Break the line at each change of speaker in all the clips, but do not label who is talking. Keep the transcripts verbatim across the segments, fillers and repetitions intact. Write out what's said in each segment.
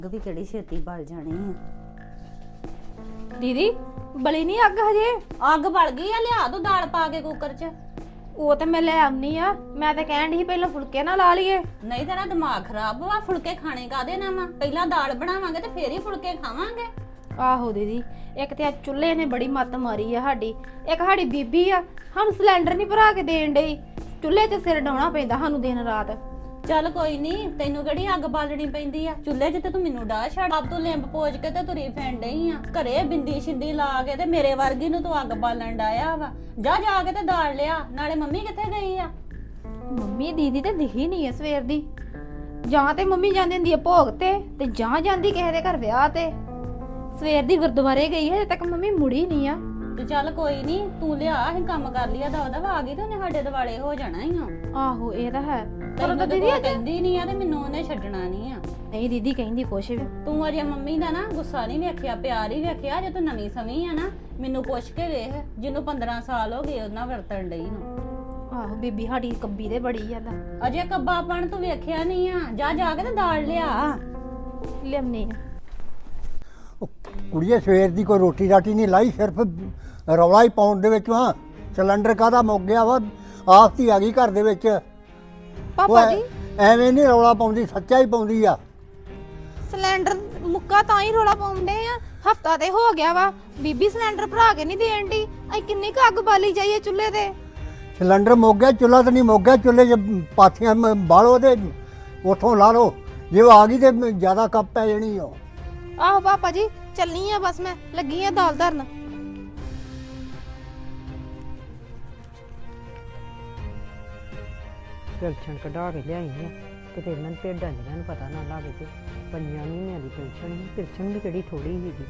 ਅੱਗ ਵੀ ਕਿਹੜੀ ਛੇਤੀ ਬਲ ਜਾਣੀ ਆ।
ਦੀਦੀ ਬਲੀ ਨਹੀਂ ਅੱਗ ਹਜੇ।
ਅੱਗ ਬਲ ਗਈ ਆ, ਲਿਆ ਦੋ ਦਾਲ ਪਾ ਕੇ ਕੁੱਕਰ 'ਚ।
ਉਹ ਤੇ ਮੈਂ ਲੈ ਆਉਣੀ ਆ। ਮੈਂ ਤਾਂ ਕਹਿਣ ਦੀ ਪਹਿਲਾਂ ਫੁਲਕੇ ਨਾ ਲਾ ਲਈਏ।
ਨਹੀਂ ਤੇਰਾ ਦਿਮਾਗ ਖਰਾਬ ਵਾ, ਫੁਲਕੇ ਖਾਣੇ ਕਾਦੇ ਨਾ ਵਾ? ਪਹਿਲਾਂ ਦਾਲ ਬਣਾਵਾਂਗੇ ਤੇ ਫੇਰ ਹੀ ਫੁਲਕੇ ਖਾਵਾਂਗੇ।
ਆਹੋ ਦੀਦੀ, ਇੱਕ ਤੇ ਆ ਚੁੱਲ੍ਹੇ ਨੇ ਬੜੀ ਮੱਤ ਮਾਰੀ ਆ ਸਾਡੀ। ਇੱਕ ਸਾਡੀ ਬੀਬੀ ਆ, ਸਾਨੂੰ ਸਿਲੰਡਰ ਨਹੀਂ ਭਰਾ ਕੇ ਦੇਣ ਡਈ। ਚੁੱਲ੍ਹੇ 'ਚ ਸਿਰ ਡਾਉਣਾ ਪੈਂਦਾ ਸਾਨੂੰ ਦਿਨ ਰਾਤ।
ਚੱਲ ਕੋਈ ਨਹੀਂ, ਤੈਨੂੰ ਕਿਹੜੀ ਅੱਗ ਬਾਲਣੀ ਪੈਂਦੀ ਆ? ਚੁੱਲ੍ਹੇ 'ਚ ਤੇ ਤੂੰ ਮੈਨੂੰ ਡਾਹ ਛੱਡ। ਆਪ ਤੂੰ ਲਿੰਬ ਪੋਜ ਕੇ ਤੇ ਤੁਰੀ ਫੈਣ ਡਈ ਆ ਘਰੇ ਬਿੰਦੀ ਸ਼ਿੰਦੀ ਲਾ ਕੇ, ਤੇ ਮੇਰੇ ਵਰਗੀ ਨੂੰ ਤੂੰ ਅੱਗ ਬਾਲਣ ਡਾਇਆ ਵਾ। ਜਾ ਜਾ ਕੇ ਤੇ ਦਾਲ ਲਿਆ। ਨਾਲੇ ਮੰਮੀ ਕਿੱਥੇ ਗਈ ਆ?
ਮੰਮੀ ਦੀਦੀ ਤੇ ਦਿਖੀ ਨਹੀਂ ਐ ਸਵੇਰ ਦੀ। ਜਾਂ ਤੇ ਮੰਮੀ ਜਾਂਦੀ ਹੁੰਦੀ ਆ ਭੋਗ ਤੇ ਤੇ ਜਾਂ ਜਾਂਦੀ ਕਿਸੇ ਦੇ ਘਰ ਵਿਆਹ ਤੇ। ਸਵੇਰ ਦੀ ਗੁਰਦੁਆਰੇ ਗਈ ਹੈ, ਹਜੇ ਤੱਕ ਮੰਮੀ ਮੁੜੀ ਨਹੀਂ ਆ।
ਤੇ ਚੱਲ ਕੋਈ ਨਹੀਂ, ਤੂੰ ਲਿਆ, ਅਸੀਂ ਕੰਮ ਕਰ ਲਿਆ। ਦਾ ਉਹਦਾ ਆ ਗਈ ਤੇ ਉਹਨੇ ਸਾਡੇ ਦਿਵਾਲੇ ਹੋ ਜਾਣਾ ਹੀ ਆ।
ਆਹੋ ਇਹ ਤਾਂ ਹੈ, ਪਰ
ਤੈਨੂੰ
ਉਹਦਾ
ਤਾਂ
ਦੀਦੀ
ਕਹਿੰਦੀ ਨਹੀਂ ਆ ਤੇ ਮੈਨੂੰ ਉਹਨੇ ਛੱਡਣਾ ਨਹੀਂ ਆ।
ਨਹੀਂ ਦੀਦੀ ਕਹਿੰਦੀ ਕੁਛ ਵੀ।
ਤੂੰ ਅਜੇ ਮੰਮੀ ਦਾ ਨਾ ਗੁੱਸਾ ਨਹੀਂ ਵੇਖਿਆ, ਪਿਆਰ ਹੀ ਵੇਖਿਆ। ਜੇ ਤੂੰ ਨਵੀਂ ਸਵੀ ਆ ਨਾ, ਮੈਨੂੰ ਪੁੱਛ ਕੇ ਵੇਖ, ਜਿਹਨੂੰ ਪੰਦਰਾਂ ਸਾਲ ਹੋ ਗਏ ਉਹਨਾਂ ਵਰਤਣ ਡਈ ਨੂੰ।
ਆਹੋ ਬੀਬੀ ਸਾਡੀ ਕੱਬੀ ਦੇ ਬੜੀ ਜ਼ਿਆਦਾ।
ਅਜੇ ਕੱਬਾਪਣ ਤੂੰ ਵੇਖਿਆ ਨਹੀਂ ਆ। ਜਾ ਜਾ ਕੇ ਤੇ ਦਾਲ ਲਿਆ।
ਲਿਆਉਣੀ ਆ।
ਕੁੜੀਏ ਸਵੇਰ ਦੀ ਕੋਈ ਰੋਟੀ ਰਾਟੀ ਨਹੀਂ ਲਾਈ, ਸਿਰਫ ਰੌਲਾ ਹੀ ਪਾਉਣ ਦੇ ਵਿੱਚ ਵਾਂ। ਸਿਲੰਡਰ ਕਾਹਦਾ ਮੁੱਕ ਗਿਆ ਵਾ, ਆਫਤ ਹੀ ਆ ਗਈ ਘਰ ਦੇ ਵਿੱਚ।
ਪਾਪਾ ਜੀ
ਐਵੇਂ ਨਹੀਂ ਰੌਲਾ ਪਾਉਂਦੀ, ਸੱਚਾ ਹੀ ਪਾਉਂਦੀ ਆ।
ਸਿਲੰਡਰ ਮੁੱਕਾ ਤਾਂ ਹੀ ਰੋਲਾ ਪਾਉਂਦੇ ਆ। ਹਫਤਾ ਤੇ ਹੋ ਗਿਆ ਵਾ, ਬੀਬੀ ਸਿਲੰਡਰ ਭਰਾ ਕੇ ਨਹੀਂ ਦੇਣ ਦੀ। ਅਸੀਂ ਕਿੰਨੀ ਕੁ ਅੱਗ ਬਾਲੀ ਜਾਈਏ ਚੁੱਲ੍ਹੇ ਤੇ।
ਸਿਲੰਡਰ ਮੁੱਕ ਗਿਆ, ਚੁੱਲ੍ਹਾ ਤਾਂ ਨਹੀਂ ਮੁੱਕ ਗਿਆ। ਚੁੱਲ੍ਹੇ 'ਚ ਪਾਥੀਆਂ ਮ- ਬਾਲੋ ਤੇ ਉੱਥੋਂ ਲਾ ਲਓ। ਜੇ ਉਹ ਆ ਗਈ ਤੇ ਜ਼ਿਆਦਾ ਕੱਪ ਪੈ ਜਾਣੀ ਆ।
ਆਹੋ ਪਾਪਾ ਜੀ ਚੱਲਨੀ ਆ, ਬਸ ਮੈਂ ਲੱਗੀ ਆ ਦਾਲ ਧਰਨ।
ਪੈਨਸ਼ਨ ਕਢਾ ਕੇ ਲਿਆਈ ਆ, ਕਿਤੇ ਇਹਨਾਂ ਨੂੰ ਭੇਡਾਂ ਦੀਆਂ ਨੂੰ ਪਤਾ ਨਾ ਲੱਗ ਜੇ। ਪੰਜਾਂ ਮਹੀਨਿਆਂ ਦੀ ਪੈਨਸ਼ਨ ਸੀ, ਪੈਨਸ਼ਨ ਵੀ ਕਿਹੜੀ ਥੋੜੀ ਸੀਗੀ।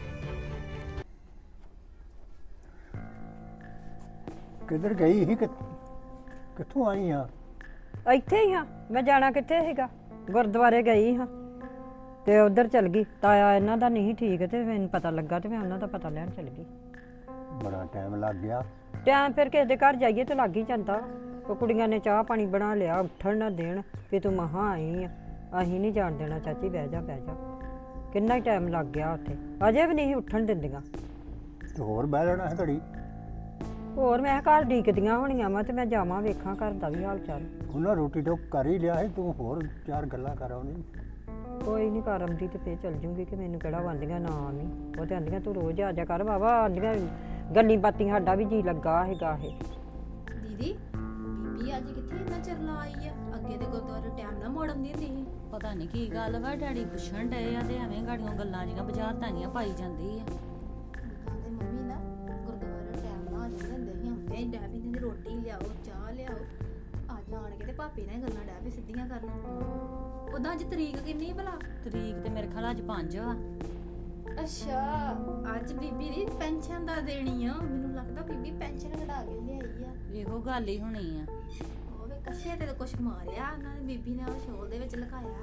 ਕਿੱਧਰ ਗਈ ਸੀ? ਕਿ- ਕਿੱਥੋਂ ਆਈ ਆ?
ਇੱਥੇ ਹੀ ਹਾਂ, ਮੈਂ ਜਾਣਾ ਕਿੱਥੇ ਸੀਗਾ, ਗੁਰਦੁਆਰੇ ਗਈ ਹਾਂ ਤੇ ਉਧਰ ਚਲ ਗਈ। ਤਾਇਆ ਇਹਨਾਂ ਦਾ ਨਹੀਂ ਠੀਕ ਤੇ ਮੈਨੂੰ ਪਤਾ ਲੱਗਾ ਤੇ ਮੈਂ ਉਹਨਾਂ ਦਾ ਪਤਾ ਲੈਣ ਚਲ ਗਈ।
ਬੜਾ ਟਾਈਮ ਲੱਗ ਗਿਆ।
ਟਾਈਮ ਫਿਰ ਕਿਸੇ ਦੇ ਘਰ ਜਾਈਏ ਤੇ ਲੱਗ ਹੀ ਜਾਂਦਾ। ਉਹ ਕੁੜੀਆਂ ਨੇ ਚਾਹ ਪਾਣੀ ਬਣਾ ਲਿਆ, ਉੱਠਣ ਨਾ ਦੇਣ ਵੀ ਤੂੰ ਮਹਾਂ ਆਈ ਆ। ਅਸੀਂ ਨਹੀਂ ਜਾਣ ਦੇਣਾ ਚਾਚੀ, ਬਹਿ ਜਾ ਬਹਿ ਜਾ। ਕਿੰਨਾ ਹੀ ਟਾਈਮ ਲੱਗ ਗਿਆ ਉੱਥੇ, ਅਜੇ ਵੀ ਨਹੀਂ ਉੱਠਣ ਦਿੰਦੀਆਂ।
ਤੇ ਹੋਰ ਬਹਿ ਲੈਣਾ ਹੈ ਘੜੀ।
ਹੋਰ ਮੈਂ ਘਰ ਡੀਕਦੀਆਂ ਹੋਣੀਆਂ ਵਾ ਤੇ ਮੈਂ ਜਾਵਾਂ ਵੇਖਾਂ ਘਰ ਦਾ ਵੀ ਹਾਲ ਚਾਲ।
ਉਹਨਾਂ ਰੋਟੀ ਟੋਕ ਕਰ ਹੀ ਲਿਆ ਹੈ, ਤੂੰ ਹੋਰ ਚਾਰ ਗੱਲਾਂ ਕਰ ਆਉਣੀ।
ਕੋਈ ਨਹੀਂ ਕਰ ਆਉਂਦੀ ਤੇ ਫੇਰ ਚੱਲ ਜੂੰਗੀ ਕਿ ਮੈਨੂੰ ਕਿਹੜਾ ਆਂਦੀਆਂ ਨਾ ਆਵੀਂ। ਉਹ ਤੇ ਆਂਦੀਆਂ ਤੂੰ ਰੋਜ਼ ਆ ਜਾ ਕਰ ਬਾਬਾ, ਆਂਦੀਆਂ ਗੱਲੀ ਬਾਤੀ ਸਾਡਾ ਵੀ ਜੀ ਲੱਗਾ ਹੈਗਾ ਇਹ।
ਦੀਦੀ ਬੀਬੀ ਅੱਜ ਕਿੱਥੇ ਇੰਨਾ ਚਿਰ ਲਾ ਆਈ ਆ? ਅੱਗੇ ਤੇ ਗੁਰਦੁਆਰੇ ਟਾਈਮ ਨਾਲ ਮੋੜ ਆਉਂਦੀ ਹੁੰਦੀ ਸੀ।
ਪਤਾ ਨਹੀਂ ਕੀ ਗੱਲ ਵਾ, ਡੈਡੀ ਪੁੱਛਣ ਡਏ ਆ ਤੇ ਐਵੇਂ ਗਾੜੀਆਂ ਗੱਲਾਂ ਜੀਆਂ ਬਾਜ਼ਾਰ ਤਾਈਆਂ ਪਾਈ ਜਾਂਦੀ ਆ।
ਤੇ ਮੰਮੀ ਨਾ ਗੁਰਦੁਆਰੇ ਟਾਈਮ ਨਾਲ ਆ ਜਾਂਦੇ ਹੁੰਦੇ ਸੀ। ਹੁੰਦੇ ਹੀ ਡੈ ਵੀ ਰੋਟੀ ਲਿਆਓ, ਚਾਹ ਲਿਆਓ। ਅੱਜ ਆਣ ਕੇ ਤੇ ਭਾਪੀ ਨਾਲ ਗੱਲਾਂ ਡੈ ਵੀ ਸਿੱਧੀਆਂ ਕਰਨ। ਉਦਾਂ ਅੱਜ ਤਰੀਕ ਕਿੰਨੀ ਭਲਾ?
ਤਰੀਕ ਤੇ ਮੇਰੇ ਖਿਆਲ ਅੱਜ ਪੰਜ ਵਾ।
ਅੱਛਾ ਅੱਜ ਬੀਬੀ ਦੀ ਪੈਨਸ਼ਨ ਦਾ ਦੇਣੀ ਆ। ਮੈਨੂੰ ਲੱਗਦਾ ਬੀਬੀ ਪੈਨਸ਼ਨ ਕਢਾ ਕੇ ਲਿਆਈ ਆ।
ਇਹੋ ਗੱਲ ਹੀ ਹੋਣੀ ਆ।
ਉਹ ਵੇ ਕੱਛੇ ਤੇ ਕੁਛ ਮਾਰਿਆ ਉਹਨਾਂ ਨੇ, ਬੀਬੀ ਨੇ ਉਹ ਸ਼ੋਲ ਦੇ ਵਿੱਚ ਲੁਕਾਇਆ।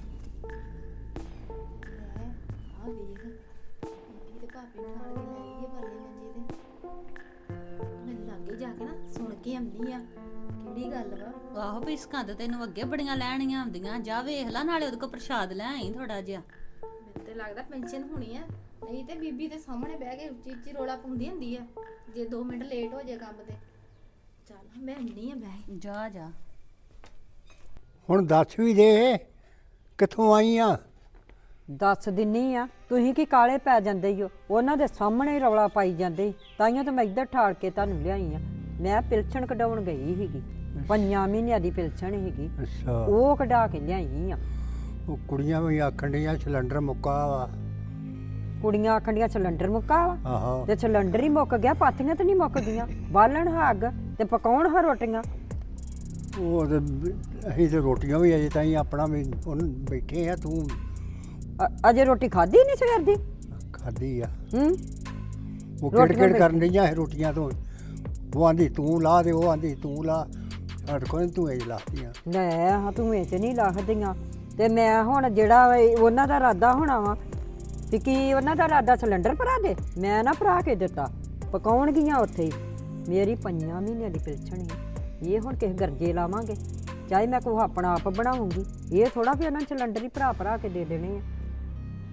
ਲੈ ਆ ਵੇਖ, ਬੀਬੀ ਤੇ ਭਾਪੀ ਨੂੰ ਨਾਲ ਕੇ ਲੈ ਗਈ ਆ ਪਰਲੇ ਮੰਜੇ ਤੇ। ਮੈਂ ਲਾਗੇ ਜਾ ਕੇ ਨਾ ਸੁਣ ਕੇ ਆਉਂਦੀ ਆ ਕਿਹੜੀ ਗੱਲ ਵਾ।
ਆਹੋ ਵੀ ਸਕੰਦ ਤੈਨੂੰ ਅੱਗੇ ਬੜੀਆਂ ਲੈਣੀਆਂ ਆਉਂਦੀਆਂ। ਜਾ ਵੇਖ ਲੈ, ਨਾਲੇ ਉਹਦੇ ਕੋਲ ਪ੍ਰਸ਼ਾਦ ਲੈ ਆਈ ਥੋੜਾ ਜਿਹਾ।
ਮੈਨੂੰ ਤੇ ਲੱਗਦਾ ਪੈਨਸ਼ਨ ਹੋਣੀ ਆ। ਨਹੀਂ ਤੇ ਬੀਬੀ ਦੇ ਸਾਹਮਣੇ ਬਹਿ ਕੇ ਉੱਚੀ ਉੱਚੀ ਰੋਲਾ ਪਾਉਂਦੀ ਹੁੰਦੀ ਆ ਜੇ ਦੋ ਮਿੰਟ ਲੇਟ ਹੋ ਜਾਏ ਕੰਮ ਤੇ। ਚੱਲ ਮੈਂ ਨਹੀਂ ਆ ਬਹਿ।
ਜਾ ਜਾ
ਹੁਣ ਦੱਸ ਵੀ ਦੇ, ਕਿੱਥੋਂ ਆਈ ਆ?
ਦੱਸ ਦਿੰਨੀ ਆ, ਤੁਸੀਂ ਕੀ ਕਾਲੇ ਪੈ ਜਾਂਦੇ ਈ ਹੋ। ਉਹਨਾਂ ਦੇ ਸਾਹਮਣੇ ਹੀ ਰੌਲਾ ਪਾਈ ਜਾਂਦੇ। ਤਾਈਆਂ ਤਾਂ ਮੈਂ ਇੱਧਰ ਠਾਲ ਕੇ ਤੁਹਾਨੂੰ ਲਿਆਈ ਆ। ਮੈਂ ਪਿਲਸਣ ਕਢਾਉਣ ਗਈ ਸੀਗੀ, ਪੰਜਾਂ ਮਹੀਨਿਆਂ ਦੀ ਪਿਲਸਣ ਸੀਗੀ,
ਅੱਛਾ,
ਉਹ ਕਢਾ ਕੇ ਲਿਆਈ ਆ।
ਉਹ ਕੁੜੀਆਂ ਵੀ ਆਖਣ ਡੀਆਂ ਸਿਲੰਡਰ ਮੁੱਕਾ ਵਾ।
ਕੁੜੀਆਂ ਆਖਣ ਡੀਆਂ ਸਿਲੰਡਰ ਮੁੱਕਾ ਵਾ,
ਆਹੋ
ਤੇ ਸਿਲੰਡਰ ਹੀ ਮੁੱਕ ਗਿਆ, ਪਾਥੀਆਂ ਤੇ ਨਹੀਂ ਮੁੱਕਦੀਆਂ। ਬਾਲਣ ਹਾਂ ਅੱਗ ਤੇ ਪਕਾਉਣ ਹਾਂ ਰੋਟੀਆਂ।
ਉਹ ਤੇ ਅਸੀਂ ਤੇ ਰੋਟੀਆਂ ਵੀ ਅਜੇ ਤਾਈਂ ਆਪਣਾ ਵੀ ਉਹਨੂੰ ਬੈਠੇ ਆ। ਤੂੰ
ਅ- ਅਜੇ ਰੋਟੀ ਖਾਧੀ ਨਹੀਂ ਸਵੇਰ ਦੀ?
ਖਾਧੀ ਆ।
ਹੂੰ
ਉਹ
ਰੋਟੀਆਂ
ਕਿੜ-ਕਿੜ ਕਰਨ ਡਈਆਂ ਇਹ ਰੋਟੀਆਂ ਤੋਂ। ਉਹ ਆਂਦੀ ਤੂੰ ਲਾ ਦੇ, ਉਹ ਆਂਦੀ ਤੂੰ ਲਾ। ਸਾਡੇ ਕੋਲ ਤੂੰ ਇਹ ਲਾਤੀਆਂ।
ਲੈ ਹਾਂ ਤੂੰ ਇਹ 'ਚ ਨਹੀਂ ਲਾਹਦੀਆਂ। ਤੇ ਮੈਂ ਹੁਣ ਜਿਹੜਾ ਇਹ ਉਹਨਾਂ ਦਾ ਇਰਾਦਾ ਹੋਣਾ ਵਾ ਵੀ ਕੀ ਉਹਨਾਂ ਦਾ ਇਰਾਦਾ ਸਿਲੰਡਰ ਭਰਾ ਦੇ। ਮੈਂ ਨਾ ਭਰਾ ਕੇ ਦਿੱਤਾ, ਪਕਾਉਣਗੀਆਂ ਉੱਥੇ ਹੀ। ਮੇਰੀ ਪੰਜਾਂ ਮਹੀਨਿਆਂ ਦੀ ਪਿਲਸਣ ਸੀ। ਇਹ ਹੁਣ ਕਿਸੇ ਗਰਜੇ ਲਾਵਾਂਗੇ, ਚਾਹੇ ਮੈਂ ਕੋਈ ਆਪਣਾ ਆਪ ਬਣਾਉਂਗੀ। ਇਹ ਥੋੜਾ ਵੀ ਉਹਨਾਂ ਸਿਲੰਡਰ ਹੀ ਭਰਾ ਭਰਾ ਕੇ ਦੇ ਦੇਣੇ ਆ।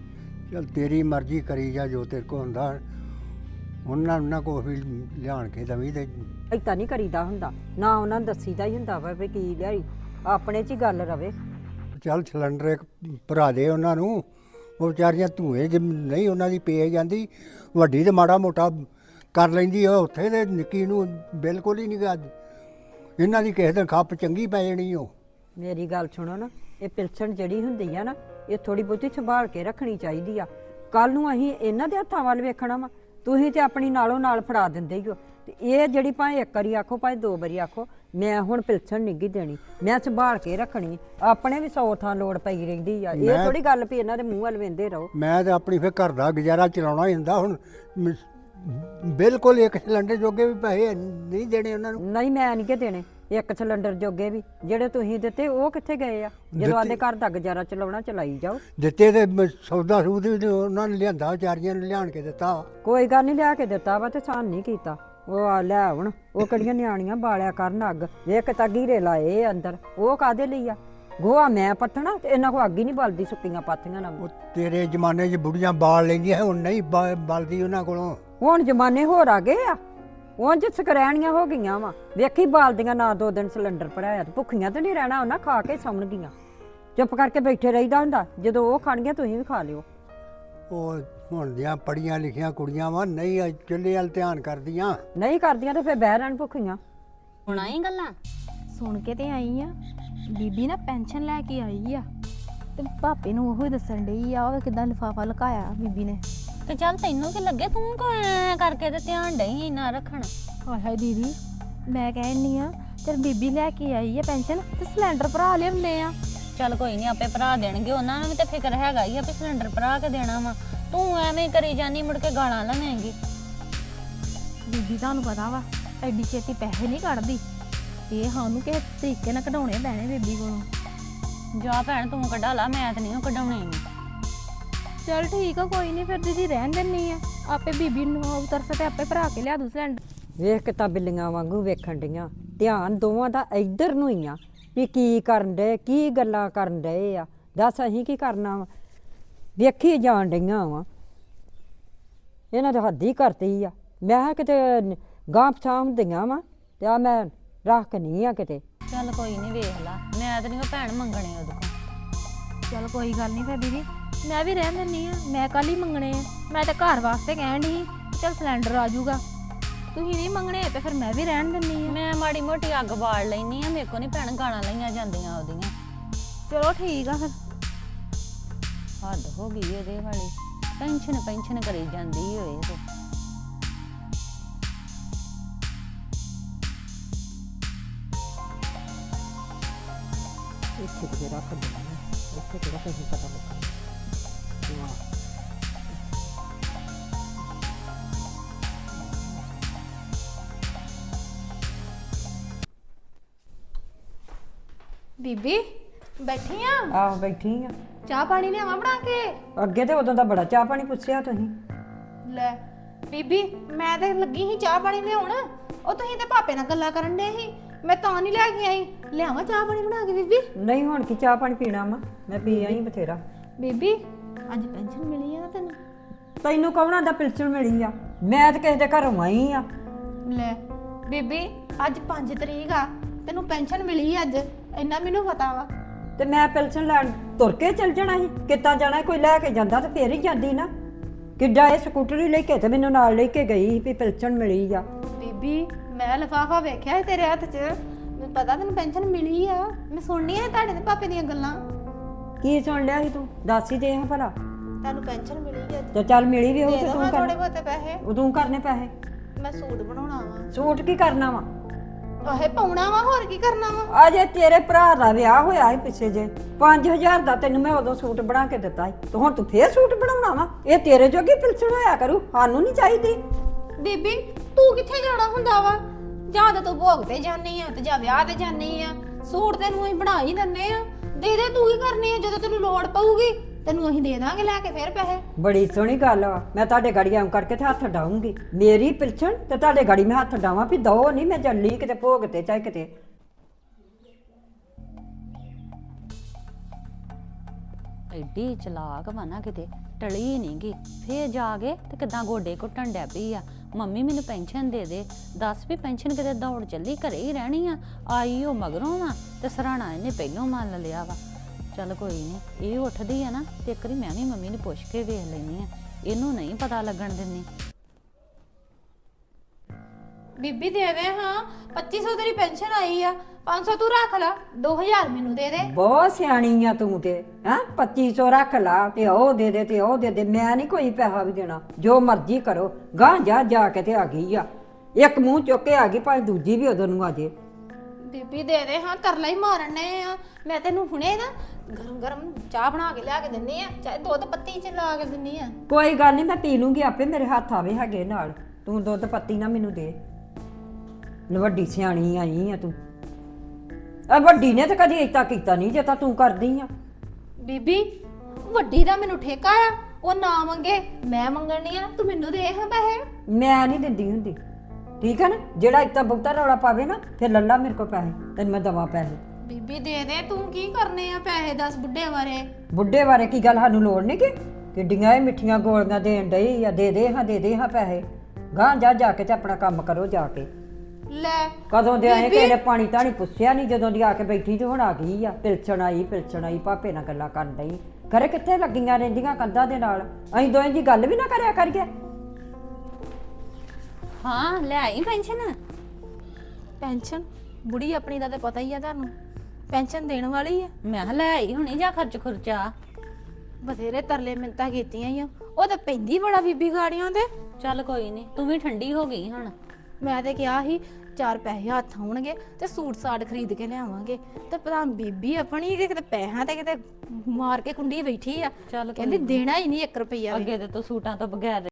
ਚਲ ਤੇਰੀ ਮਰਜ਼ੀ ਕਰੀ ਜਾ ਜੋ ਤੇਰੇ ਕੋ ਹੁੰਦਾ ਉਹਨਾਂ ਉਹਨਾਂ ਕੋ ਵੀ ਲਿਆਣ ਕੇ ਦਵੀ ਤੇ
ਏਦਾਂ ਨਹੀਂ ਕਰੀਦਾ ਹੁੰਦਾ ਨਾ ਉਹਨਾਂ ਨੂੰ ਦੱਸੀਦਾ ਹੀ ਹੁੰਦਾ ਵਾ ਵੀ ਕੀ ਲਿਆਈ ਆਪਣੇ 'ਚ ਹੀ ਗੱਲ ਰਵੇ
ਚੱਲ ਸਿਲੰਡਰ ਇੱਕ ਭਰਾ ਦੇ ਉਹਨਾਂ ਨੂੰ ਉਹ ਵਿਚਾਰੀਆਂ ਧੂਏ ਜੇ ਨਹੀਂ ਉਹਨਾਂ ਦੀ ਪੇ ਜਾਂਦੀ ਵੱਡੀ ਤੇ ਮਾੜਾ ਮੋਟਾ ਕਰ ਲੈਂਦੀ ਉਹ ਉੱਥੇ ਤੇ ਨਿੱਕੀ ਨੂੰ ਬਿਲਕੁਲ ਹੀ ਨਹੀਂ ਗਾ ਇਹਨਾਂ ਦੀ ਕਿਸੇ ਦਿਨ ਖੱਪ ਚੰਗੀ ਪੈ ਜਾਣੀ ਉਹ
ਮੇਰੀ ਗੱਲ ਸੁਣੋ ਨਾ ਇਹ ਪਿਲਸਣ ਜਿਹੜੀ ਹੁੰਦੀ ਆ ਨਾ ਇਹ ਥੋੜੀ ਬਹੁਤੀ ਸੰਭਾਲ ਕੇ ਰੱਖਣੀ ਚਾਹੀਦੀ ਆ ਕੱਲ ਨੂੰ ਅਸੀਂ ਇਹਨਾਂ ਦੇ ਹੱਥਾਂ ਵੱਲ ਵੇਖਣਾ ਵਾ ਤੁਸੀਂ ਤੇ ਆਪਣੀ ਨਾਲੋਂ ਨਾਲ ਫੜਾ ਦਿੰਦੇ ਹੀ ਹੋ ਤੇ ਇਹ ਜਿਹੜੀ ਭਾਵੇਂ ਇੱਕ ਵਾਰੀ ਆਖੋ ਭਾਵੇਂ ਦੋ ਵਾਰੀ ਆਖੋ ਮੈਂ ਹੁਣ ਪਿਲਸਣ ਨਹੀਂ ਗੀ ਦੇਣੀ ਮੈਂ ਸੰਭਾਲ ਕੇ ਰੱਖਣੀ ਆਪਣੇ ਵੀ ਸੌ ਥਾਂ ਲੋੜ ਪਈ ਰਹਿੰਦੀ ਆ ਇਹ ਥੋੜੀ ਗੱਲ ਵੀ ਇਹਨਾਂ ਦੇ ਮੂੰਹ ਵੱਲ ਵੇਂਦੇ ਰਹੋ
ਮੈਂ ਤੇ ਆਪਣੀ ਫਿਰ ਘਰ ਦਾ ਗੁਜ਼ਾਰਾ ਚਲਾਉਣਾ ਹੀ ਹੁੰਦਾ ਹੁਣ ਮ- ਬਿਲਕੁਲ ਇੱਕ ਸਿਲੰਡਰ ਜੋਗੇ ਵੀ ਪੈਸੇ ਨਹੀਂ ਦੇਣੇ ਉਹਨਾਂ ਨੂੰ
ਨਹੀਂ ਮੈਂ ਨਹੀਂ ਕਿ ਦੇਣੇ ਇੱਕ ਸਿਲੰਡਰ ਜੋਗੇ ਵੀ ਜਿਹੜੇ ਤੁਸੀਂ ਦਿੱਤੇ ਉਹ ਕਿੱਥੇ ਗਏ ਆ ਜਦੋਂ ਆਦੇ ਘਰ ਦਾ ਗੁਜ਼ਾਰਾ ਚਲਾਉਣਾ ਚਲਾਈ ਜਾਓ
ਦਿੱਤੇ ਤੇ ਮ- ਸੌਦਾ ਸੂਦ ਵੀ ਉਹਨਾਂ ਨੇ ਲਿਆਂਦਾ ਵਿਚਾਰੀਆਂ ਨੂੰ ਲਿਆਣ ਕੇ ਦਿੱਤਾ
ਕੋਈ ਗੱਲ ਨਹੀਂ ਲਿਆ ਕੇ ਦਿੱਤਾ ਵਾ ਤੇ ਸਾਨ ਨਹੀਂ ਕੀਤਾ ਉਹ ਆ ਲੈ ਹੁਣ ਉਹ ਕਿਹੜੀਆਂ ਨਿਆਣੀਆਂ ਬਾਲਿਆ ਕਰਨ ਅੱਗ ਵੇਖ ਤਾਂ ਗੀਰੇ ਲਾਏ ਅੰਦਰ ਉਹ ਕਾਦੇ ਲਈ ਆ ਗੋਹਾ ਮੈਂ ਪੱਟਣਾ ਤੇ ਇਹਨਾਂ ਕੋ ਅੱਗ ਹੀ ਨਹੀਂ ਬਲਦੀ ਸੁੱਕੀਆਂ ਪਾਥੀਆਂ ਨਾਲ
ਉਹ ਤੇਰੇ ਜ਼ਮਾਨੇ 'ਚ ਬੁੜੀਆਂ ਬਾਲ ਲੈਂਦੀਆਂ ਹੁਣ ਨਹੀਂ ਬ- ਬਲਦੀ ਉਹਨਾਂ ਕੋਲੋਂ
ਹੁਣ ਜ਼ਮਾਨੇ ਹੋਰ ਆ ਗਏ ਆ ਉਂਝ ਸਕਰੈਣੀਆਂ ਹੋ ਗਈਆਂ ਵਾ ਵੇਖੀ ਬਾਲਦੀਆਂ ਨਾ ਦੋ ਦਿਨ ਸਿਲੰਡਰ ਭਰਾਇਆ ਤੇ ਭੁੱਖੀਆਂ ਤੇ ਨਹੀਂ ਰਹਿਣਾ ਉਹਨਾਂ ਖਾ ਕੇ ਸੌਣ ਗਈਆਂ ਚੁੱਪ ਕਰਕੇ ਬੈਠੇ ਰਹੀਦਾ ਹੁੰਦਾ ਜਦੋਂ ਉਹ ਖਾਣਗੀਆਂ ਤੁਸੀਂ ਵੀ ਖਾ ਲਿਓ
ਉਹ ਹੁਣ ਦੀਆਂ ਪੜੀਆਂ ਲਿਖੀਆਂ ਕੁੜੀਆਂ ਵਾ ਨਹੀਂ ਅੱਜ ਚੁੱਲ੍ਹੇ ਵੱਲ ਧਿਆਨ ਕਰਦੀਆਂ
ਨਹੀਂ ਕਰਦੀਆਂ ਤੇ ਫਿਰ ਬਹਿ ਰਹਿਣ ਭੁੱਖੀਆਂ
ਹੁਣ ਆਈ ਗੱਲਾਂ
ਸੁਣ ਕੇ ਤੇ ਆਈ ਆ ਬੀਬੀ ਨਾ ਪੈਨਸ਼ਨ ਲੈ ਕੇ ਆਈ ਆ ਤੇ ਭਾਪੇ ਨੂੰ ਉਹੀ ਦੱਸਣ ਡਈ ਆ ਉਹ ਕਿਦਾਂ ਲਿਫਾਫਾ ਲੁਕਾਇਆ ਬੀਬੀ ਨੇ
ਤੇ ਚੱਲ ਤੈਨੂੰ ਕੀ ਲੱਗੇ ਤੂੰ ਕੋ ਐਂ ਕਰਕੇ ਤੇ ਧਿਆਨ ਡਈ ਇੰਨਾ ਰੱਖਣ
ਹਾਏ ਹਾਏ ਦੀਦੀ ਮੈਂ ਕਹਿਣੀ ਆ ਚਲ ਬੀਬੀ ਲੈ ਕੇ ਆਈ ਆ ਪੈਨਸ਼ਨ ਤੇ ਸਿਲੰਡਰ ਭਰਾ ਲਿਆਉਂਦੇ ਆ
ਚੱਲ ਕੋਈ ਨਹੀਂ ਆਪੇ ਭਰਾ ਦੇਣਗੇ ਉਹਨਾਂ ਨੂੰ ਵੀ ਤੇ ਫਿਕਰ ਹੈਗਾ ਹੀ ਆ ਵੀ ਸਿਲੰਡਰ ਭਰਾ ਕੇ ਦੇਣਾ ਵਾ ਤੂੰ ਐਵੇਂ ਕਰੀ ਜਾਨੀ ਮੁੜ ਕੇ ਗਾਲਾਂ ਲਵੇਂਗੀ
ਬੀਬੀ ਤੁਹਾਨੂੰ ਪਤਾ ਵਾ ਐਡੀ ਛੇਤੀ ਪੈਸੇ ਨਹੀਂ ਕੱਢਦੀ ਇਹ ਸਾਨੂੰ ਕਿਸੇ ਤਰੀਕੇ ਨਾਲ ਕਢਾਉਣੇ ਪੈਣੇ ਬੀਬੀ ਕੋਲੋਂ
ਜਾ ਭੈਣ ਤੂੰ ਕਢਾ ਲਾ ਮੈਂ ਤੇ ਨਹੀਂ ਕਢਾਉਣੇ
ਚਲ ਠੀਕ ਆ ਕੋਈ ਨਹੀਂ ਫਿਰ ਦੀਦੀ ਰਹਿਣ ਦਿੰਨੀ ਆ ਆਪੇ ਬੀਬੀ ਨੂੰ ਉਤਰਸ ਤੇ ਆਪੇ ਭਰਾ ਕੇ ਲਿਆ ਦੂ ਸਿਲੰਡਰ
ਵੇਖ ਕੇ ਤਾਂ ਬਿੱਲੀਆਂ ਵਾਂਗੂ ਵੇਖਣ ਡੀਆਂ ਧਿਆਨ ਦੋਵਾਂ ਦਾ ਇੱਧਰ ਨੂੰ ਹੀ ਆ ਵੀ ਕੀ ਕਰਨ ਡਏ ਕੀ ਗੱਲਾਂ ਕਰਨ ਡਏ ਆ ਦੱਸ ਅਸੀਂ ਕੀ ਕਰਨਾ ਵਾ ਵੇਖੀ ਜਾਣ ਡਈਆਂ ਵਾ ਇਹਨਾਂ ਦੇ ਹੱਦ ਹੀ ਕਰਤੀ ਆ ਮੈਂ ਕਿਹਾ ਕਿਤੇ ਗਾਂਹ ਪਛਾਂ ਹੁੰਦੀਆਂ ਵਾ ਤੇ ਆ ਮੈਂ ਰੱਖ ਨਹੀਂ ਆ ਕਿਤੇ
ਚੱਲ ਕੋਈ ਨਹੀਂ ਵੇਖ ਲਾ ਮੈਂ ਤੇ ਨਹੀਂ ਭੈਣ ਮੰਗਣੇ ਉਹਦੇ ਕੋਲ
ਚਲ ਕੋਈ ਗੱਲ ਨਹੀਂ ਫਿਰ ਦੀਦੀ ਮੈਂ ਵੀ ਰਹਿਣ ਦਿੰਨੀ ਆ ਮੈਂ ਕੱਲ ਹੀ ਮੰਗਣੇ ਆ ਮੈਂ ਤਾਂ ਘਰ ਵਾਸਤੇ ਕਹਿਣ ਡਈ ਚਲ ਸਿਲੰਡਰ ਆ ਜਾਊਗਾ ਤੁਸੀਂ ਨਹੀਂ ਮੰਗਣੇ ਤੇ ਫਿਰ ਮੈਂ ਵੀ ਰਹਿਣ ਦਿੰਨੀ ਆ
ਮੈਂ ਮਾੜੀ ਮੋਟੀ ਅੱਗ ਬਾਲ ਲੈਣੀ ਆ ਮੇਰੇ ਕੋ ਨਹੀਂ ਭੈਣ ਗਾਲਾਂ ਲਈਆਂ ਜਾਂਦੀਆਂ ਉਹਦੀਆਂ
ਚਲੋ ਠੀਕ ਆ ਫਿਰ
ਹੱਦ ਹੋ ਗਈ ਇਹਦੇ ਵਾਲੀ ਪੈਨਸ਼ਨ ਪੈਨਸ਼ਨ ਕਰੀ ਜਾਂਦੀ ਹੋਏ ਤੇ
ਇੱਥੇ ਕਿਤੇ ਰੱਖ ਦਿੰਦੀ ਇੱਥੇ ਕਿਹੜਾ ਕਿਸੇ ਪਤਾ ਲੱਗਾ
ਬੀਬੀ ਬੈਠੀ ਆ
ਆਹ ਬੈਠੀ ਆ
ਚਾਹ ਪਾਣੀ ਲਿਆਵਾਂ ਬਣਾ ਕੇ
ਅੱਗੇ ਤੇ ਉਦੋਂ ਦਾ ਬੜਾ ਚਾਹ ਪਾਣੀ ਪੁੱਛਿਆ ਤੁਸੀਂ
ਲੈ ਬੀਬੀ ਮੈਂ ਤੇ ਲੱਗੀ ਸੀ ਚਾਹ ਪਾਣੀ ਲਿਆਉਣ ਉਹ ਤੁਸੀਂ ਤੇ ਪਾਪੇ ਨਾਲ ਗੱਲਾਂ ਕਰਨ ਦੇ ਸੀ ਮੈਂ ਤਾਂ ਨਹੀਂ ਲੈ ਕੇ ਆਈ ਲਿਆਵਾਂ ਚਾਹ ਪਾਣੀ ਬਣਾ ਕੇ ਬੀਬੀ
ਨਹੀਂ ਹੁਣ ਕੀ ਚਾਹ ਪਾਣੀ ਪੀਣਾ ਵਾ ਮੈਂ ਪੀ ਆਈ ਬਥੇਰਾ
ਬੀਬੀ ਅੱਜ ਪੈਨਸ਼ਨ ਮਿਲੀ ਆ ਨਾ ਤੈਨੂੰ
ਤੈਨੂੰ ਕੌਣਾ ਦਾ ਪਿਲਸਣ ਮਿਲੀ ਆ ਮੈਂ ਤਾਂ ਕਿਸੇ ਦੇ ਘਰੋਂ ਆਈ ਆ
ਲੈ ਬੀਬੀ ਅੱਜ ਪੰਜ ਤਰੀਕ ਆ ਤੈਨੂੰ ਪੈਨਸ਼ਨ ਮਿਲੀ ਅੱਜ ਇੰਨਾ ਮੈਨੂੰ ਪਤਾ ਵਾ
ਤੇ ਮੈਂ ਪਿਲਸਣ ਲੈਣ ਤੁਰ ਕੇ ਚੱਲ ਜਾਣਾ ਸੀ ਕਿੱਦਾਂ ਜਾਣਾ ਕੋਈ ਲੈ ਕੇ ਜਾਂਦਾ ਤੇ ਫੇਰ ਹੀ ਜਾਂਦੀ ਨਾ ਕਿੱਡਾ ਇਹ ਸਕੂਟਰੀ ਲੈ ਕੇ ਤੇ ਮੈਨੂੰ ਨਾਲ ਲੈ ਕੇ ਗਈ ਵੀ ਪਿਲਸਣ ਮਿਲੀ ਆ
ਬੀਬੀ ਮੈਂ ਲਿਫਾਫਾ ਵੇਖਿਆ ਸੀ ਤੇਰੇ ਹੱਥ 'ਚ ਮੈਨੂੰ ਪਤਾ ਤੈਨੂੰ ਪੈਨਸ਼ਨ ਮਿਲੀ ਆ ਮੈਂ ਸੁਣਨੀ ਆ ਤੁਹਾਡੇ ਤੇ ਪਾਪੇ ਦੀਆਂ ਗੱਲਾਂ
ਕੀ ਸੁਣ ਲਿਆ ਸੀ ਤੂੰ ਦੱਸ ਹੀ ਦੇ ਹਾਂ ਭਲਾ
ਤੈਨੂੰ ਪੈਨਸ਼ਨ ਮਿਲੀ ਅੱਜ
ਤੇ ਚੱਲ ਮਿਲੀ ਵੀ ਹੋਊ
ਦੇ
ਤੇ
ਦੋ
ਤੂੰ
ਥੋੜੇ
ਕਰ
ਬਹੁਤੇ ਪੈਸੇ
ਉਦੋਂ ਕਰਨੇ ਪੈਸੇ
ਮੈਂ ਸੂਟ ਬਣਾਉਣਾ ਵਾ
ਸੂਟ ਕੀ ਕਰਨਾ ਵਾ
ਆਹੇ ਪਾਉਣਾ ਵਾ ਹੋਰ ਕੀ ਕਰਨਾ ਵਾ
ਅਜੇ ਤੇਰੇ ਭਰਾ ਦਾ ਵਿਆਹ ਹੋਇਆ ਸੀ ਪਿੱਛੇ ਜੇ ਪੰਜ ਹਜ਼ਾਰ ਦਾ ਤੈਨੂੰ ਮੈਂ ਉਦੋਂ ਸੂਟ ਬਣਾ ਕੇ ਦਿੱਤਾ ਸੀ ਤੇ ਹੁਣ ਤੂੰ ਫੇਰ ਸੂਟ ਬਣਾਉਣਾ ਵਾ ਇਹ ਤੇਰੇ ਜੋਗੀ ਪਿਲਸਣ ਹੋਇਆ ਕਰੂ ਸਾਨੂੰ ਨਹੀਂ ਚਾਹੀਦੀ
ਬੀਬੀ ਤੂੰ ਕਿੱਥੇ ਜਾਣਾ ਹੁੰਦਾ ਵਾ ਜਾਂ ਤਾਂ ਤੂੰ ਭੋਗ ਤੇ ਜਾਨੀ ਆ ਤੇ ਜਾਂ ਵਿਆਹ ਤੇ ਜਾਨੀ ਆ ਸੂਟ ਤੈਨੂੰ ਅਸੀਂ ਬਣਾ ਹੀ ਦਿੰਨੇ ਆ ਦੇ ਦੇ ਤੂੰ ਕੀ ਕਰਨੀ ਆ ਜਦੋਂ ਤੈਨੂੰ ਲੋੜ ਪਊਗੀ ਤੈਨੂੰ ਅਸੀਂ ਦੇ ਦਾਂਗੇ ਲੈ ਕੇ ਫੇਰ ਪੈਸੇ
ਬੜੀ ਸੋਹਣੀ ਗੱਲ ਆ ਮੈਂ ਤੁਹਾਡੇ ਗਾੜੀ ਆਉਂ ਕਰਕੇ ਤੇ ਹੱਥ ਡਾਉਂਗੀ ਮੇਰੀ ਪਿਲਸਣ ਤੇ ਤੁਹਾਡੇ ਗਾੜੀ ਮੈਂ ਹੱਥ ਡਾਵਾਂ ਵੀ ਦੋ ਨਹੀਂ ਮੈਂ ਜੱਲੀ ਕਿਤੇ ਭੋਗ ਤੇ ਚਾਹੇ ਕਿਤੇ
ਐਡੀ ਚਲਾਕ ਵਾ ਨਾ ਕਿਤੇ ਟਲੀ ਨੀ ਗੀ ਫੇਰ ਜਾ ਕੇ ਤੇ ਕਿਦਾਂ ਗੋਡੇ ਘੁੱਟਣ ਡੈ ਪਈ ਆ ਮੰਮੀ ਮੈਨੂੰ ਪੈਨਸ਼ਨ ਦੇ ਦੇ ਦੱਸ ਵੀ ਪੈਨਸ਼ਨ ਕਿਤੇ ਦੌੜ ਚੱਲੀ ਘਰੇ ਹੀ ਰਹਿਣੀ ਆ ਆਈ ਉਹ ਮਗਰੋਂ ਵਾ ਤੇ ਸਰਾਣਾ ਇਹਨੇ ਪਹਿਲੋਂ ਮੰਨ ਲਿਆ ਵਾ ਚੱਲ ਕੋਈ ਨਹੀਂ ਇਹ ਉੱਠਦੀ ਆ ਨਾ ਤੇ ਇੱਕ ਵਾਰੀ ਮੈਂ ਵੀ ਮੰਮੀ ਨੂੰ ਪੁੱਛ ਕੇ ਵੇਖ ਲੈਣੀ ਆ ਇਹਨੂੰ ਨਹੀਂ ਪਤਾ ਲੱਗਣ ਦਿੰਦੀ
ਬੀਬੀ ਦੇ ਦੇ ਹਾਂ ਪੱਚੀ ਸੌ ਤੇਰੀ ਪੈਨਸ਼ਨ ਆਈ ਆ ਪੰਜ ਸੌ ਤੂੰ ਰੱਖ ਲੈ ਦੋ ਹਜ਼ਾਰ ਮੈਨੂੰ ਦੇ ਦੇ
ਬਹੁਤ ਸਿਆਣੀ ਆ ਤੂੰ ਤੇ ਹੈਂ ਪੱਚੀ ਸੌ ਰੱਖ ਲਾ ਤੇ ਉਹ ਦੇ ਦੇ ਤੇ ਉਹ ਦੇ ਦੇ ਮੈਂ ਨਹੀਂ ਕੋਈ ਪੈਸਾ ਵੀ ਦੇਣਾ ਜੋ ਮਰਜ਼ੀ ਕਰੋ ਗਾਂ ਜਾ ਜਾ ਕੇ ਤੇ ਆ ਗਈ ਆ ਇੱਕ ਮੂੰਹ ਚੁੱਕ ਕੇ ਆ ਗਈ ਭਾਵੇਂ ਦੂਜੀ ਵੀ ਉਦੋਂ ਨੂੰ ਆ ਜੇ
ਬੀਬੀ ਦੇ ਦੇ ਹਾਂ ਤਰਲਾ ਹੀ ਮਾਰਨ ਨੇ ਆ ਮੈਂ ਤੈਨੂੰ ਹੁਣੇ ਨਾ ਗਰਮ ਗਰਮ ਚਾਹ ਬਣਾ ਕੇ ਲਿਆ ਕੇ ਦਿੰਨੀ ਆ ਚਾਹੇ ਦੁੱਧ ਪੱਤੀ ਚ ਲਾ ਕੇ ਦਿੰਨੀ ਆ
ਕੋਈ ਗੱਲ ਨਹੀਂ ਮੈਂ ਪੀ ਲੂੰਗੀ ਆਪੇ ਮੇਰੇ ਹੱਥ ਆਵੇ ਹੈਗੇ ਨਾਲ ਤੂੰ ਦੁੱਧ ਪੱਤੀ ਨਾ ਮੈਨੂੰ ਦੇ ਵੱਡੀ ਸਿਆਣੀ ਆਈ ਆ ਤੂੰ ਆ ਵੱਡੀ ਨੇ ਤਾਂ ਕਦੀ ਏਤਾ ਕੀਤਾ ਨਹੀਂ ਜੇ ਤਾਂ ਤੂੰ ਕਰਦੀ ਆ
ਬੀਬੀ ਵੱਡੀ ਦਾ ਮੈਨੂੰ ਠੇਕਾ ਆ ਉਹ ਨਾ ਮੰਗੇ ਮੈਂ ਮੰਗਣੀ ਆ ਤੂੰ ਮੈਨੂੰ ਦੇ ਹਾਂ ਪੈਸੇ
ਮੈਂ ਨਹੀਂ ਦਿੰਦੀ ਹੁੰਦੀ ਠੀਕ ਹੈ ਨਾ ਜਿਹੜਾ ਇੱਤਾ ਬਹੁਤਾ ਰੌਲਾ ਪਾਵੇ ਨਾ ਫਿਰ ਲੱਲਾ ਮੇਰੇ ਕੋਲ ਪੈਸੇ ਤੈਨੂੰ ਮੈਂ ਦਵਾ ਪੈਸੇ
ਬੀਬੀ ਦੇ ਦੇ ਤੂੰ ਕੀ ਕਰਨੇ ਆ ਪੈਸੇ ਦੱਸ ਬੁੱਢੇ ਬਾਰੇ
ਬੁੱਢੇ ਬਾਰੇ ਕੀ ਗੱਲ ਸਾਨੂੰ ਲੋੜ ਨਹੀਂ ਕਿ ਕਿੱਡੀਆਂ ਇਹ ਮਿੱਠੀਆਂ ਗੋਲੀਆਂ ਦੇਣ ਡਈ ਆ ਦੇ ਦੇ ਹਾਂ ਦੇ ਦੇ ਹਾਂ ਪੈਸੇ ਗਾਂ ਜਾ ਜਾ ਕੇ ਤੇ ਆਪਣਾ ਕੰਮ ਕਰੋ ਜਾ ਕੇ
ਲੈ
ਕਦੋਂ ਦੇ ਆਏ ਕਿਸੇ ਨੇ ਪਾਣੀ ਤਾਣੀ ਪੁੱਛਿਆ ਨਹੀਂ ਜਦੋਂ ਦੀ ਆ ਕੇ ਬੈਠੀ ਤੇ ਹੁਣ ਆ ਗਈ ਆ ਪਿਲਸਣ ਆਈ ਪਿਲਸਣ ਆਈ ਪਾਪੇ ਨਾਲ ਗੱਲਾਂ ਕਰਨ ਡਈ ਘਰੇ ਕਿੱਥੇ ਲੱਗੀਆਂ ਰਹਿੰਦੀਆਂ ਕੰਧਾਂ ਦੇ ਨਾਲ ਅਸੀਂ ਦੋਵੇਂ ਜੀ ਗੱਲ ਵੀ ਨਾ ਕਰਿਆ ਕਰੀਏ
ਹਾਂ ਲੈ ਆਈ ਪੈਨਸ਼ਨ
ਪੈਨਸ਼ਨ ਬੁੜੀ ਆਪਣੀ ਦਾ ਤੇ ਪਤਾ ਹੀ ਆ ਤੁਹਾਨੂੰ ਪੈਨਸ਼ਨ ਦੇਣ ਵਾਲੀ ਆ
ਮੈਂ ਕਿਹਾ ਲੈ ਆਈ ਹੁਣੀ ਜਾ ਖਰਚ ਖੁਰਚਾ
ਬਥੇਰੇ ਤਰਲੇ ਮਿੰਤਾਂ ਕੀਤੀਆਂ ਹੀ ਆ ਉਹ ਤਾਂ ਪੈਂਦੀ ਬੜਾ ਬੀਬੀ ਗਾੜੀਆਂ ਤੇ
ਚੱਲ ਕੋਈ ਨਹੀਂ ਤੂੰ ਵੀ ਠੰਡੀ ਹੋ ਗਈ ਹੁਣ
ਮੈਂ ਤੇ ਕਿਹਾ ਸੀ ਚਾਰ ਪੈਸੇ ਹੱਥ ਆਉਣਗੇ ਤੇ ਸੂਟ ਸਾੜ ਖਰੀਦ ਕੇ ਲਿਆਵਾਂਗੇ ਤੇ ਪਤਾ ਬੀਬੀ ਆਪਣੀ ਕਿਤੇ ਪੈਸਿਆਂ ਤੇ ਕਿਤੇ ਮਾਰ ਕੇ ਕੁੰਡੀ ਬੈਠੀ ਆ
ਚੱਲ
ਕਹਿੰਦੀ ਦੇਣਾ ਹੀ ਨਹੀਂ ਇੱਕ ਰੁਪਈਆ ਵੀ
ਅੱਗੇ ਤੇ ਤੂੰ ਸੂਟਾਂ ਤੋਂ ਬਗੈਰ